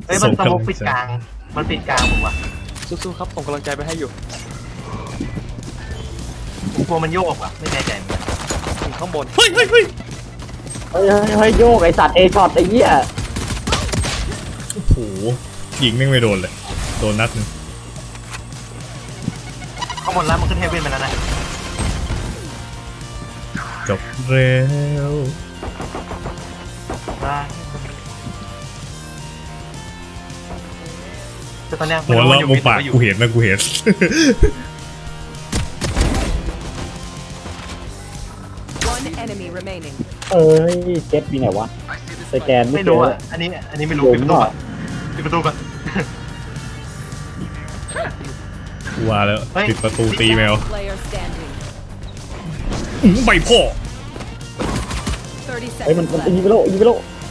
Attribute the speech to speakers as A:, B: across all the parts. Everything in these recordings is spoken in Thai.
A: เฮ้ยมันสโมกปิดกลางมันปิดกลางผมว่ะ
B: สู้ๆครับส่งกำลังใจไปให้อยู่
A: ผมกลัวมันโยกอ่ะไม่แน่ใจเหมือนกัน
B: ถึงข้างบน
C: เฮ้ย
D: เฮ้ยโยกไอสัตว์เอช็อตไอ้เหี้ย
C: โอ้โหยิงแม่งไม่โดนเลยโดนนัดนึง
A: ข้างบนแล้วมันขึ้นเฮเว่นไปแล้วนะ
C: จบแล้ว
A: ได้แต่ตอนเนี้ย
C: หัวเราะมุมปากกูเห็นนะกูเห็น
E: One enemy remaining.
D: เอ้ยเจ็ดปีไหนวะสแกนไม่
A: ไม่
D: เจ
A: รู้
D: อ
A: อ่ะอันนี้ไม่รู้ปิดประตูก่อนปิดประตูก่อน
C: กูว่าแล้วปิดประตูตีแมว
E: Player standing.
C: ใบพ่อ
E: 30
D: เฮ้ยมัน
E: seconds
D: ยิง
E: left.
D: ไปโลยิงไปโล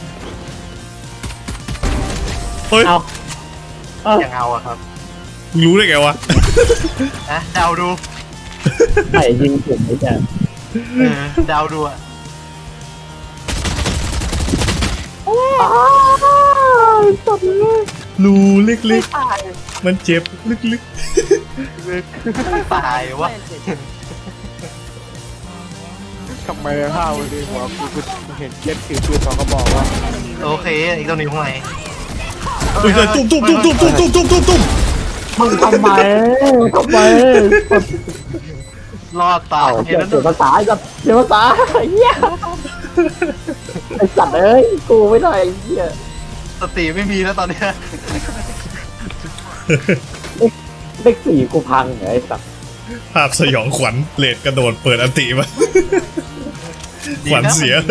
C: เฮ้ย
D: เอาเอา
A: ยังเอาอะครับ
C: มึงรู้ได้ไงวะ
A: นะเดาดู
D: ไม่ยิงผมไอ้แก
A: เดาดูอะ
D: สัตว์เลย
C: รูเล็กๆมันเจ็บลึก
A: ตายวะ
E: Planted.
B: ทำไมห้าวเลยหัวกูเห็นเจ็ดถือปืนสองกระบอกว่า
E: Enemy
A: โอเค
E: remaining.
A: อีกตัวนึงข้างใน
C: ๆเฮ้ยตุ้มตุ้ม
D: มึงทำไมทำไม
A: รอดตาย
D: เสียภาษาจัดเสียภาษาไอ้เหี้ยไอ้สัตว์เอ้ยกูไม่ได้ไอ้เหี้ย
A: สติไม่มีแล้วตอนเนี้ย
D: เลขสี่กูพังไอ้สัตว์
C: ภาพสยองขวัญเลดกระโดดเปิดอันติมา ขวัญเสีย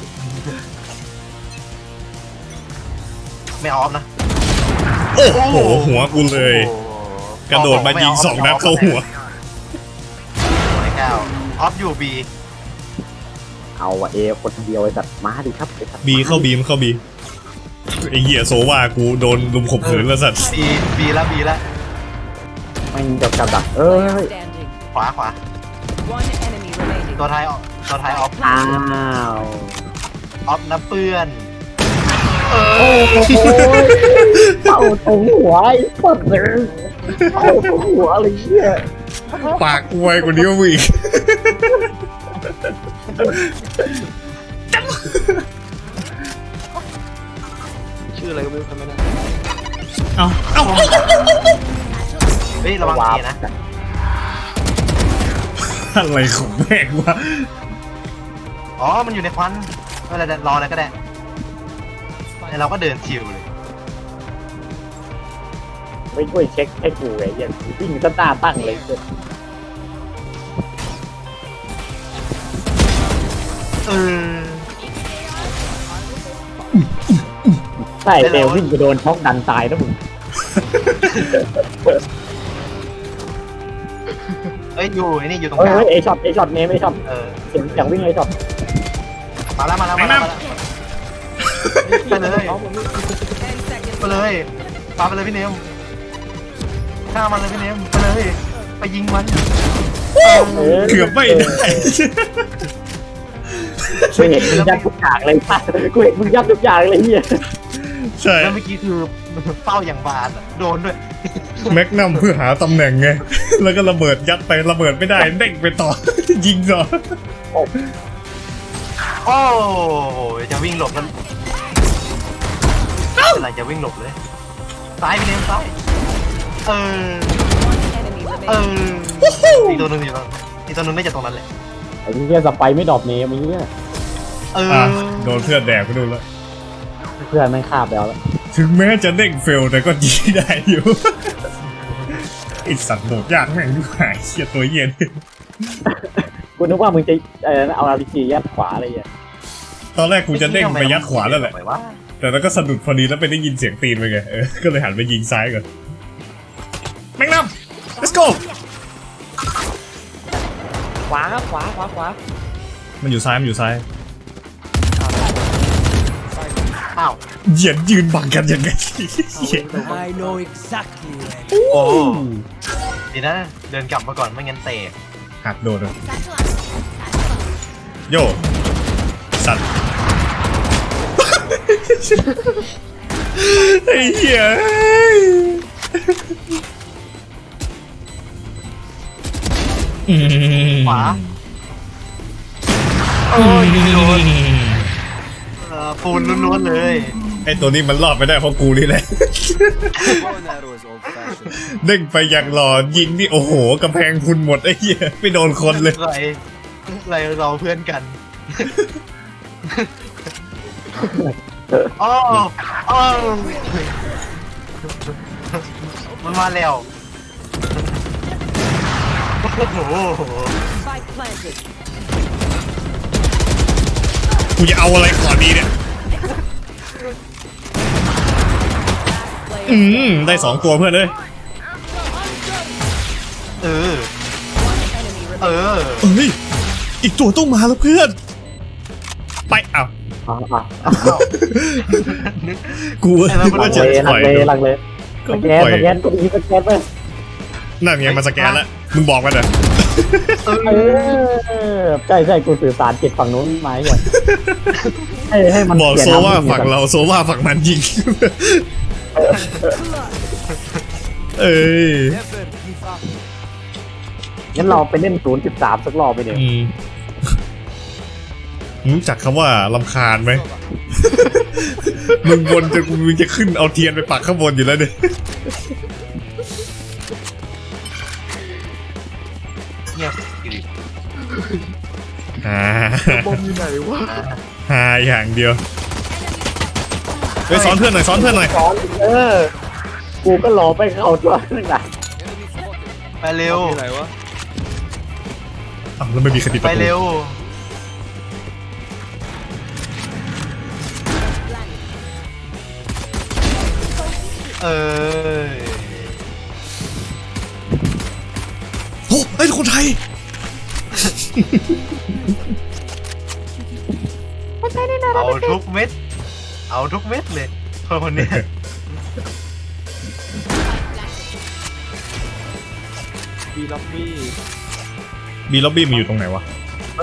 A: ไม่ออฟนะ
C: โอ้โหหัวกูเลย กระโดดมายิง2 นัดเข้าหัว
A: ไม่ก้าวออฟอยู่บี
D: เอาอะเอคนเดียวไอ้สัตว์มาดิครับไอ้สัตว์
C: บีเข้าบีมันเข้าบีไอเหี้ยโซว่ากูโดนลุมข่มขืนแล้วสัตว์
A: บีแล้ว
D: มันกับดักเอ้ย
E: Standing.
A: ขวา
E: One enemy remaining.
A: ตัวท้ายออฟ
D: อ้าว
A: ออฟนะเปื้อน
D: โอ้โหเป่าตรงหัวไอ้สัตว์เลยเป่าตรงหัวอะไรเงี้ย
C: ปากกูไวกว่านี้วอีก
B: ชื่ออะไรก็ไม่รู้ทำไม่ได้
C: เอา
A: เฮ้ยระวังทีนะ
C: อะไรของแม่งวะ
A: อ๋อมันอยู่ในควันอะไรรออะไรก็ได้เราก็เดินชิวเลย
D: ไม่ช่วยเช็คให้กูไอ้เหี้ยวิ่งตั้งหน้าตั้งเลย
A: เออ
D: ใช่เดววิ่งไปโดนช็อกดันตายนะมึง
A: เอ้ยอยู่ไอ้นี่อยู่ตรง
D: เฮ้
A: กลาง
D: ยเอช็อตเนมเอช็อต
A: เออ
D: เสียงอย่างวิ่งเอช็อต
A: มาแล้วไปเลย
E: 10 seconds
A: ไปเลยปาไปเลยพี่เนมฆ่ามันเลยพี่เนมไปเลยไปยิงมัน
C: เกือบไม่ได้
D: กูเห็นมึงยัดทุกอย่างเลยป่ะกูเห็นมึงยัดทุกอย่างเลยเฮีย
C: ใช่
A: แล้วเมื่อกี้คือเป้าอย่างบาดโดนด้วย
C: แม็กนัมเพื่อหาตำแหน่งไง แล้วก็ระเบิดยัดไประเบิดไม่ได้เด้งไปต่อ ยิงต่อ
A: โอ้จะวิ่งหลบกันอะไรจะวิ่งหลบเลยซ้ายพี่เนมซ้ายเออ
E: enemy
A: เอ
E: remaining.
A: อีกตัวหนึงอยู่ตรงอีกตัวหนึงน่าจะตรงนั้นเลย
D: ไอ้เฮียสไปไม่ดรอปเนมไอ้เฮีย
A: เออ
C: อ่ะโดนเพื่อนแดกไปดูแล้ว
D: เพื่อนไม่งคาบแล้ว
C: ถึงแม้จะเด้งเฟลแต่ก็ยิงได้อยู่ ไอสัตว์โหดยากแม่งดูหายเชี่ยตัวเย็น
D: กูนึกว่ามึงจะเอาอาร์พีจียัดขวาอะไรเงี้ย
C: ตอนแรกกูจะเด้งไปยัดขวาแล้วแหละ
A: ทำไมวะ
C: แต่แล้วก็สะดุดพอดีแล้วไปได้ยินเสียงตีนไปไงก็เลยหันไปยิงซ้ายก่อนแม็กนัม let's go
B: ขวาครับขวา
C: มันอยู่ซ้าย
A: อ้าว
C: เหยียดยืนบังกันยังไง
B: I know exactly
A: โอ้ดีนะเดินกลับมาก่อนไม่งั้นเตะ
C: หักโดนเลยโยสัตว์ ไอ้เหี้ย
A: ขวาโอ้ยโดนปูนล้วนๆเลย
C: ไอ้ตัวนี้มันรอดไปได้เพราะกูนี่แหละ เด้งไปอย่างหล่อยิงนี่โอ้โหกำแพงพุนหมดไอ้เหี้ยไม่โดนคนเลย
A: ไรเราเพื่อนกันอ้ออ้อมันมาแล้วโอ้โห
E: Spike planted.
C: กูจะเอาอะไรก่อนดีเนี่ย
E: Player
C: ได้2ตัวเพื่อนเลย
A: เออ
E: enemy
A: เอ
E: remaining.
A: อ
C: เฮ้ยอีกตัวต้องมาแล้วเพื่อนไปเอ้ากูว่าจะถอย
D: ลังเล
C: ก็
D: สแก
C: ปล่อย
D: นกดอีสแกนไป
C: นั่นไงมาสแกนแล้วมึงบอกมันเหรอ
D: ใช่กูสื่อสารจิตฝั่งนู้นมาอย่างให้มัน
C: บอกโซว่าฝั่งเราโซว่าฝั่งมันยิงเอ้ย
D: งั้นเราไปเล่น0.3สักรอบไปเดี๋ยว
C: รู้จักคำว่าลำคาญไหม มึงบนจะมึงจะขึ้นเอาเทียนไปปักข้างบนอยู่แล้วเนี่ย
A: เงียบ
B: บอมอยู่ไหนวะ
C: หาอย่างเดียวเฮ้ยสอนเพื่อนหน่อยสอนเพื่อนหน่อย
D: สอนกูก็รอไปเข้าตัวนึงนะ
A: ไปเร็ว
B: อยู่ไหนวะ
C: อ้าวแล้วไม่มีใครปิดป
A: ไประ
C: ตู
A: เร็วเออ
C: โอ้ไอ้ยคนไทย
A: เอาทุกเม็ด เอาทุกเม็ดเลยคนนี้
B: บีล็อบบี้
C: มีล็อบบี้มันอยู่ตรงไหนวะ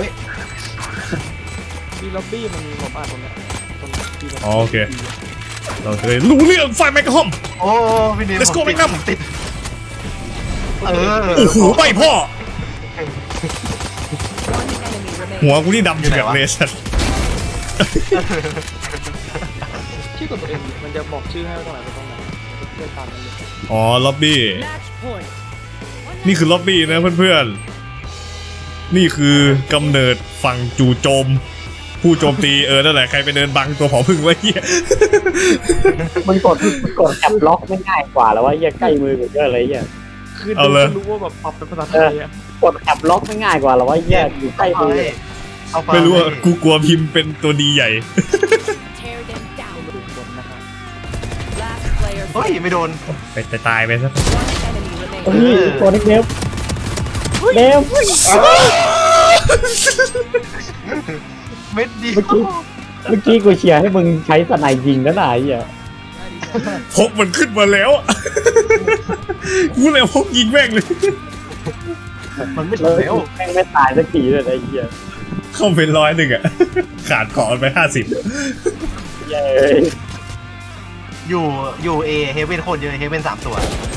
B: บีล็อบบี้มันผมอ่านตรงเนี้ยตรงบีล็อบ
C: อ๋อโอเค เราจะได้รู้เรื่องไฟแมกกาฮอม
A: โอ้พี่นิว
C: Let's go
A: ผมติด
C: Magnum
A: ผมติดเออ
C: โอ้โหไปพ่อ
E: One enemy remaining.
C: หัวกูนี่ดำอยู่แบบเลสัน
B: ชื่อกดตัวเองดิมันจะบอกชื่อให้ว่าตรงไหนไปตรงไหนเลือกตามนั้นเลย
C: อ๋อล็อบบี้
E: Match point.
C: นี่คือล็อบบี้นะเพื่อนๆ นี่คือกำเนิดฝั่งจู่โจม ผู้โจมตีนั่นแหละใครไปเดินบังตัวผอพึ่งไว้เหี้ย
D: มันกดแอบล็อกไม่ง่ายกว่าแล้วว่าใกล้มือกูเยอะเลยเหี้ย
B: คือ
C: เอา
B: ดู
C: เลย
B: ก็รู้ว่าแบบปรับเป็นภาษาไทยอะ
D: กดแอบล็อกไม่ง่ายกว่าแล้วว่าอยู่ใกล้มือ
A: เอาไป
C: ไม่รู้ว่ากูกลัวพิมพ์เป็นตัวดีใหญ่
E: Tear them down.
B: ดูบนนะครับ
E: Last player
A: เฮ้ย
E: standing.
A: ไม่โดน
C: ไปตายไปซะ
E: One enemy
D: เฮ้
E: remaining.
D: ยตัวนี้เดฟเดฟ
A: เม็ดเดียว
D: เมื่อกี้กูเชียร์ให้มึงใช้สไนยิงแล้วนะไอ้เหี้ย
C: พกมันขึ้นมาแล้ว กูเลยพกยิงแม่งเลย
A: มันไม่
D: แล้ว
A: ถึงแล้ว
D: แม่งไม่ตายสักทีเลยไอ้เหี้ย
C: เข้าเป็น100อ่ะ ขาดของไป50
D: เย้
A: อยู่เอเฮเว่นโคตรเยอะเฮเว่น3 ตัว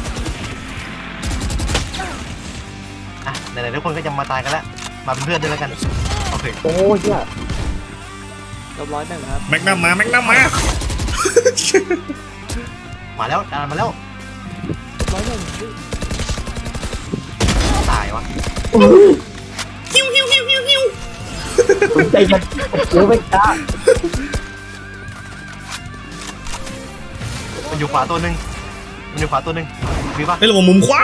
A: อ่ะไหนๆทุกคนก็จะมาตายกันแล้วมาเป็นเพื่อนด้วยแล้วกันโอเค
D: โอ้ยเหี้ย
B: เรียบร้อยหนึ่งครับ
C: แม็กนัมมา
A: มาแล้วดันมาแล้ว
B: ร้อยหนึ่ง
A: ตายวะ
D: สนใจกันเดี๋ยวไม่กล้า
A: มันอยู่ขวาตัวหนึ่งมีปะ
C: ไอ้ระบบมุมขวา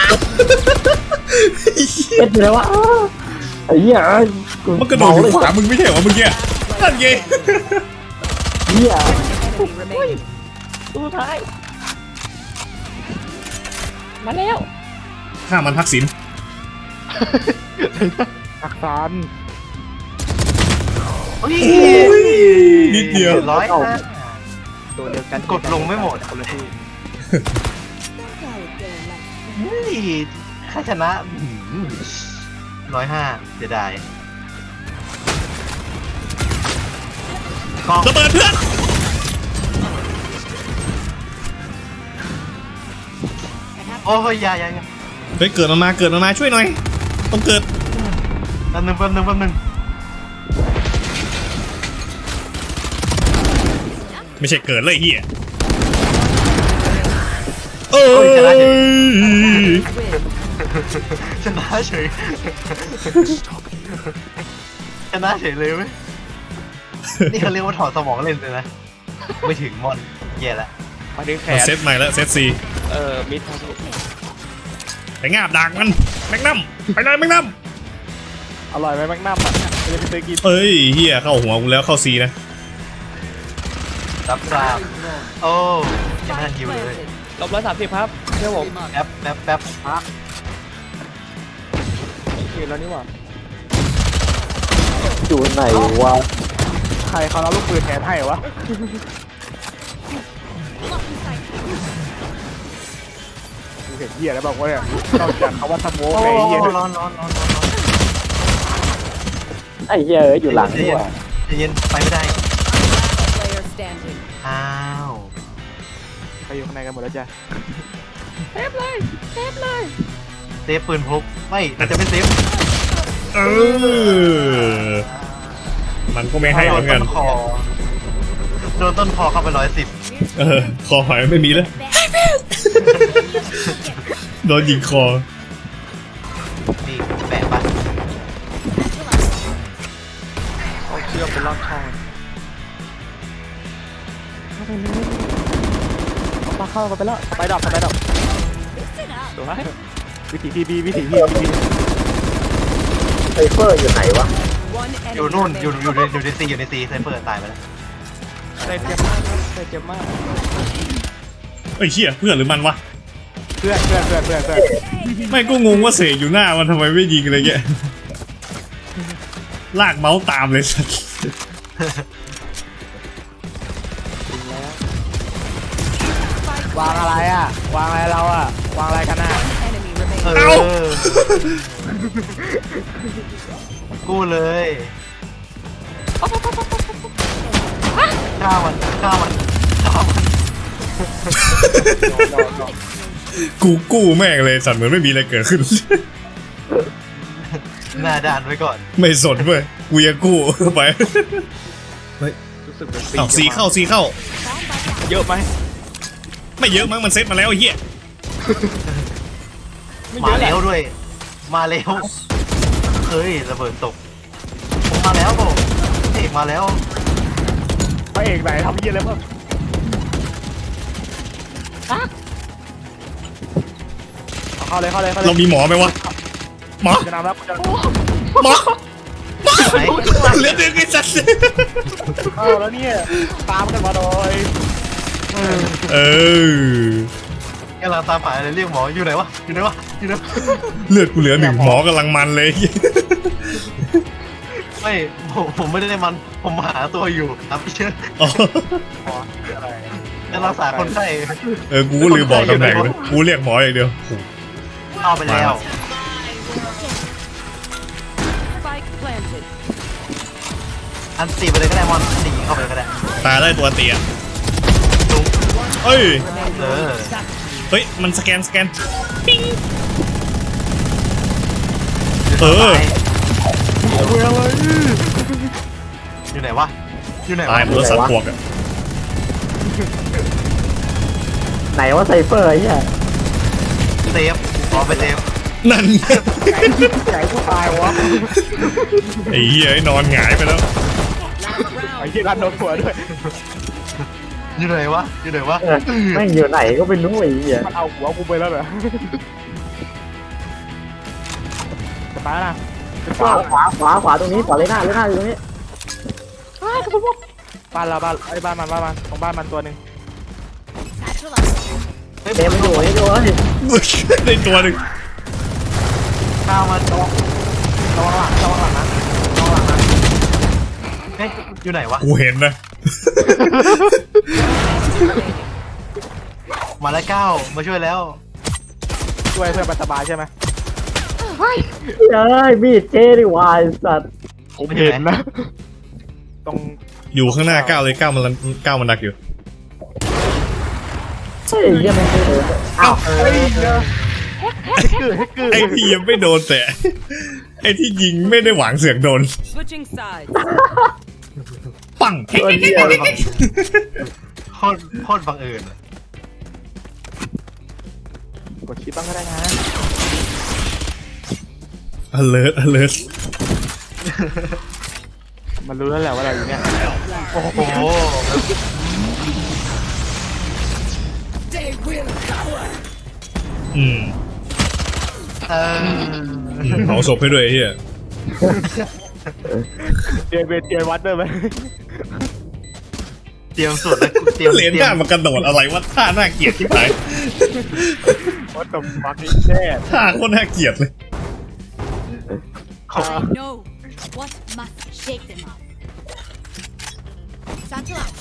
D: เอ็ดอยู่แล้ววะไอ้เหี้ย
C: มันกระโดดอยู่ขวามึงไม่ใช่เหรอเมื่อกี้นั่นไง
D: เหี้ย
E: Enemy remaining.
B: ตู้ท้าย
D: มาแล้ว
C: ฆ่ามันทักษิณ
B: อักษร
A: เฮ้ย
C: นิดเดียว
A: 100นะ
B: ตัวเดียวกัน
A: กดลงไม่หมด
B: คนละที่
A: เฮ้ยถ้าชนะ105เสียดายกอง
C: ระเบิดเพื่อน
A: โอ้ยอย่า
C: เฮ้ยเกิดมาช่วยหน่อยต้องเกิด
A: แป๊บนึง
C: ไม่ใช่เกิดเลยเฮียเอ้ย
A: ชนะเฉยชนะเฉยเลยเว้ยนี่เขาเรียกว่าถอดสมองเล่นเลยนะไม่ถึงมอนแย่ละ
B: มาดึงแข
C: เอา
B: น
C: เซตใหม่แล้วเซตซี
B: มิดครับ
C: ไปงาบดักมันแม็กนัมไปเลยแม็กนัม
B: อร่อยไหมแม็กนัมอ่ะจะไปซื้อกิน
C: เอ้ยเฮียเข้าหัวกูแล้วเข้าซีนะ
A: รับทราบโอ้ยังไม่ทัน
E: Spike
A: ยิวเลย
E: planted.
B: ลบ130ครับเชื่อผม
A: แป๊บ
B: กินแล้วนี่หว่า
D: อยู่ไหนวะ
B: ใครเขาเอาลูกปืนแทนให้วะกูเห็นเหี้ยแล้วบอกว่าเนี่ยนอกจากเขาว่าสโมก
A: โอ้
B: ไอ้เหี้ย
A: ร้อน
D: ไอ้เหี้ยเอ้ยอยู่หลังนี่หว่า
A: ใจเย็นไปไม่ได้
E: Player standing.
A: อ้าว
B: ใครอยู่ข้างในกันหมดแล้วจ้ะ
A: เซฟปืนพกไม่มันจะเป็นเซฟ
C: เออมันก็ไม่ให้เหมือนกัน
A: โดนต้นคอเข้าไป110
C: คอหอยไม่มีแล้วโดนยิงคอ
A: นี่แปะปะ
B: เอาเชือกไปลอดช่องเอาปลาเข้ากันไปแล้วสไปดอกดูไหมวิถีพีบี
D: ไซเฟอร์อยู่ไหนวะ
E: One
A: อยู่
E: enemy
A: นู่นอยู่
E: remaining.
A: ในซีไซเฟอร์ตายไปแล้ว
B: เจ็บมากเจ็บมาก
C: เอ้ยเชี่ยเพื่อนหรือมันวะ
B: เพื่อน
C: ไม่ก็งงว่าเสกอยู่หน้ามันทำไมไม่ยิงอะไรเงี้ยลากเมาส์ตามเลยสัส
B: วางอะไรอ่ะวางอะไรเราอ่ะวางอะไรกันอ่ะ
E: Enemy remaining.
A: เออกู้เลยฆ่ามัน
C: กูกู้แม่งเลยสัตว์เหมือนไม่มีอะไรเกิดขึ้น
A: หน้าด่านไว้ก่อน
C: ไม่สนเว้ยกูยังกู้ไป
B: รู้สึกเป็น
C: เอาซีเข้า
B: เยอะไหม
C: ไม่เยอะมั้งมันเซ็ตมาแล้วไอ้เหี้ย
A: มาแล้วด้วย มาแล้วเฮ้ยระเบิดตกผมมาแล้วผมเอกมาแล้ว
B: พระเอกไหนทำเยี่ยอะไรบ้างเข้าเลย
C: เรามีหมอไหมวะหมอ
B: จะนำแล้วจะ
C: หมอ
A: ไหน
C: เหลือดึงไอ้สัตว์
B: เข้าแล้วเนี่ยตามกันมาโดย
C: เออก
A: ำลังตามหาอะไรเรียกหมออยู่ไหนวะอยู่ไหนวะ
C: เลือดกูเหลือ1หมอกำลังมันเลย
A: ไม่ผมไม่ได้มันผมหาตัวอยู่ครับพี่เชิญ
C: อ๋อ
A: จะรักษาคนไข้
C: กูก็ลืมบอกตำแหน่งเลยกูเรียกหมออย่างเดียวโอ้โห
A: เข้าไปแล้ว
E: Spike planted.
A: อันตีไปเลยก็ได้มอนตีเข้าไปเลยก็ได้
C: ตายได้ตัวเตี้ย
A: ลุง
C: เอ้ย
A: เออ
C: เฮ้ยมันสแกนปิ้งเออ
A: อยู่ไหนวะอยู่ไหน
C: ตา
A: ะ
C: ยหมดแล้วสัตว์พวกอะ
D: ไหนว่าไซเฟอร์ไอ้เหี้ย
A: เซฟขอไปเซฟ
C: นั่น
B: ใหญ่กูตายวะ
C: ไอ้เหี้ยไอ้นอนหงายไปแล้ว
B: ไอ้ยี่รันโดนหัวด้วย
A: อยู่ไหนวะอยู่ไหนวะ
D: แม่งอยู่ไหนก็ไม่รู้ไอ้เหี้ย
B: มันเอาหัวกูไปแล้วเหรอจะไปแล้วนะ
D: ขวาตรงนี้ขวาเลยหน้าอยู่ตรงนี้
B: บ้านเราบ้านไอ้บ้านมันของบ้านมันตัวหนึ่ง
A: เฮ้ย
D: เต็มไปอยู่ไอ้ด้วย
C: ในตัวหนึ่ง
A: ข้าวมัน
B: ระวังหลังนะระวังหลังนะ
A: เฮ้ยอยู่ไหนวะ
C: กูเห็นนะ
A: มาแล้วก้าวมาช่วยแล้ว
B: ช่วยเพื่อนมันสบายใช่ไหม
D: เฮ้ยมีดเจดิวายสัตว์
B: ผมเห็นนะตรง
C: อยู่ข้างหน้าก้าวเลยก้าวมันดักอยู่
D: ฮ้ยยังไม่เอออ้าว
C: ไอ้ที่ยังไม่โดนแต่ไอ้ที่ยิงไม่ได้หวังเสือกโดน
E: Switching sides.
C: ปัง
D: ตัวเดียว
A: โคตรบังเอิญ
B: กดชิปบ้างก็ได้นะ
C: alert
B: มันรู้แล้วแหละว่าเราอยู่เนี่ย
A: โอ้โห
C: อืมเอาศพให้ด้วยไอ้เฮีย
B: เตียวัดด้วยไหม
A: เตรียมสุดแล้วเตรียม
C: เหรียญหน้ามากระโดดอะไรวะท่าน่าเกลียดที่ไหน
B: วัดตบฟักนี่แน่
C: ท่าโคตรน่าเกลียดเลย
F: I know what must shake them up. Satchel out.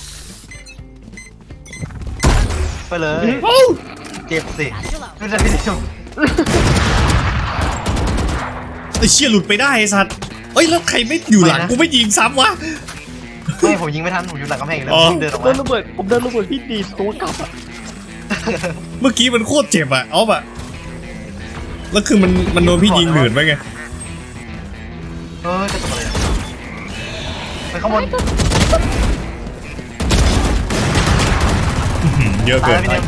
A: ไปเลยเจ็บสิ
F: Satchel out.
A: ไม่ใช่พี่เดียว
C: ไอ้เชี่ยหลุดไปได้ไอ้สัตว์เอ้ยแล้วใครไม่อยู่หลังกูไม่ยิงซ้ำวะ
A: ไม่ผมยิงไม่ทันผมอยู่หลังกำแพงอยู่แล้ว
C: อ๋อ
A: ผมเดินออก
B: เดิ
A: มาน
B: ระเบิดผมเดินระเบิดพี่ดีตัวกลับอ่ะ
C: เมื่อกี้มันโคตรเจ็บอะออฟอะแล้วคือมันโดนพี่ยิงหนืดไปไง
A: จะตกอะไรไปข้างบน
C: เยอะ
A: ตา
C: เกิ
A: ย
C: น
A: พี่เดียว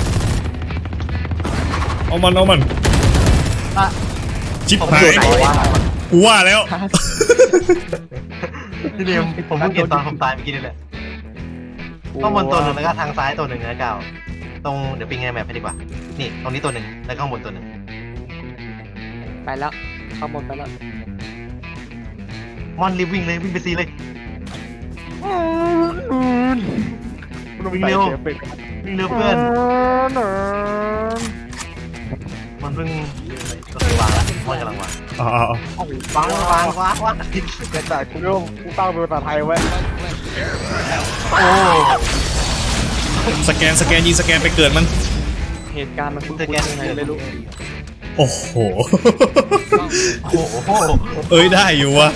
C: เอามัน
A: อ่ะ
C: ชิบ
A: ผม
C: หา
A: อยู่
C: ย
A: ไหนวะ
C: กูว่าแล้ว
A: พี่เดียวผมเพิ่งเห็นตอนผมตายเมื่อกี้นี่แหละข้างบนตัวหนึ่งแล้วก็ทางซ้ายตัวหนึ่งนะก้าวตรงเดี๋ยวปิงไงแมพให้ดีกว่านี่ตรงนี้ตัวหนึ่งแล้วข้างบนตัวหนึ่ง
B: ไปแล้วเข้าบนไปแล้ว
A: มอนรีบวิ่งเลยวิ่งไปซีเลยวิ่งเร็ววิ่งเร็วเพื่อนมันเพิ่งวางแล้วมอนกำลังวาง
C: อ๋อ
A: วาง
B: แต่กูไม่รู้กูตั้งเป็นภาษาไทยไว้
A: โอ้
C: สแกนยิงสแกนไปเกิดมัน
B: เหตุการณ์มันคุ้นๆยังไงไม่รู้
C: โอ้โห
A: โห
C: เอ้ยได้อยู่วะ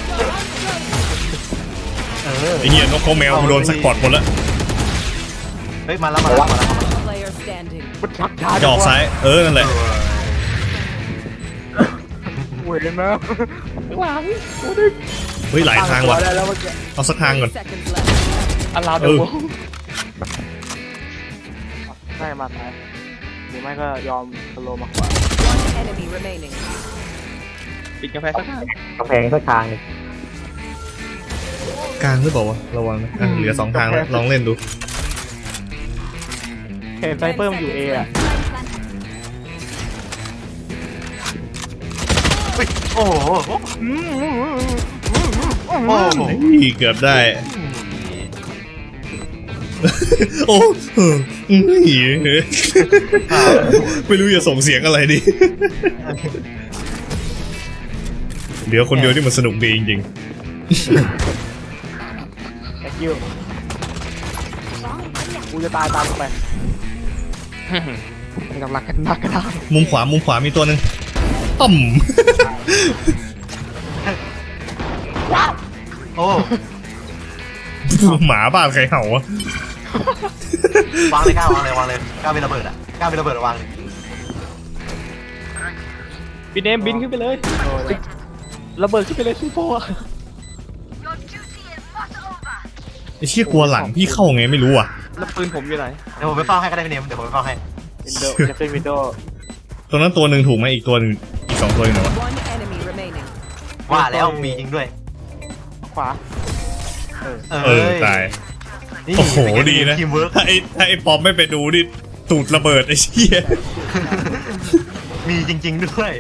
C: ไอ้เหี้ยนกเขาแมวกูโดนสักปอดหมดแล้ว
A: เฮ้ยมาแล้ว
E: Player standing.
B: มันชักช้า
C: จะออกซ้ายนั่นแหละ
B: เว้ยนะหลัง
C: เฮ้ยหลายทางว่ะ
B: ได้แล้วเมื่อกี้
C: เอาสักทางก่อน
E: Seconds left.
B: อันลาวเดอร์ใช่มาซ้ายหรือไม่ก็ยอมสโลมาขวา
E: One enemy remaining.
B: ปิดกาแฟสักข้าง
D: กำแพงสักทางหนึ่ง
C: กลางหรือเปล่าวะระวังนะเหลือ2ทางแล้วลองเล่นดู
B: เห็นไซเปอร์มันอยู่เออะ
A: โอ้โหโอ้โห
C: เกือบได้ โอ้ไม่รู้จะส่งเสียงอะไรดีเหลือคนเดียวที่มันสนุกดีจริง
B: thank you กูจะตายตามกูไปไม่ต้องรักกันนักก็ได้
C: ๆมุมขวามีตัวหนึ่งต่ำ
A: โอ้
C: หมาบ้านใครเห่าวะ
A: วางเลยก้าววางเลยก้าวเป็นระเบิดอ่ะก้าวเป็นระเบิดวาง
B: พี่เนมบินขึ้นไปเลยระเบิดขึ้นไปเลยซูโฟอะ
C: ไอ้เชี่ยกลัวหลังพี่เข้าไงไม่รู้อ่ะ
B: แล้วปืนผมอยู่ไหน
A: เดี๋ยวผมไปเฝ้าให้ก็ได้พี่เนมเดี๋ยวผมไปเฝ้าให้
B: วินโดว์จะขึ้นวินโดว์
C: ตรงนั้นตัวหนึ่งถูกไหมอีกตัวหนึ่งอีก2ตัวอยู่ไหนวะ
E: One enemy remaining.
A: ว่าแล้วมีจริงด้วย
B: ขวา
C: ตายโอ้โหดีนะ
A: ทีมเวิร์ก
C: ถ้าไอ้ปอมไม่ไปดูนี่ตูดระเบิดไอ้เชี่ย
A: มีจริงๆด้วย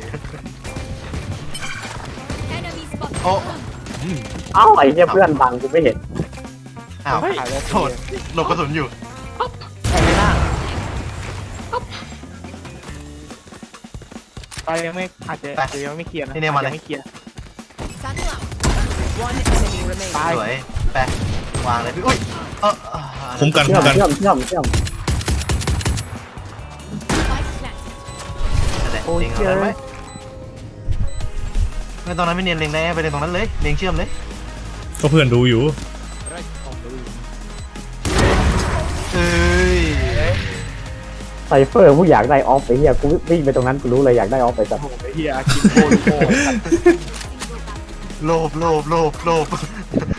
F: Enemy spot.
A: โอ้
D: เอ้าไอ้เนี่ยเพื่อนบังกูไม่เห็น
A: อ้าวโทษหลบกระสุนอยู่
B: แทงไม่น่าไปยังไม่อาจจะยังไม่เคลียร์นะยังไม่เคลียร์
F: Satchel out.
E: One enemy remaining.
A: สวยแปะวางเลยพี่อุ้ย
C: คุ้มกัน
D: เชื่อม
F: Spike planted.
A: จริงเหรอไหมไม่ตรงนั้นไม่เนียนเล็งได้ไปเล็งตรงนั้นเลยเล็งเชื่อมเลย
C: ก็เพื่อนดูอยู่
A: เอ้ย
D: เฟอร์ผู้อยากได้ออฟไปเฮียกูวิ่งไปตรงนั้นกูรู้เลยอยากได้ออฟไปสัตว์
B: ไอ้เหี้ยกินโคตรโคตร
A: โลภ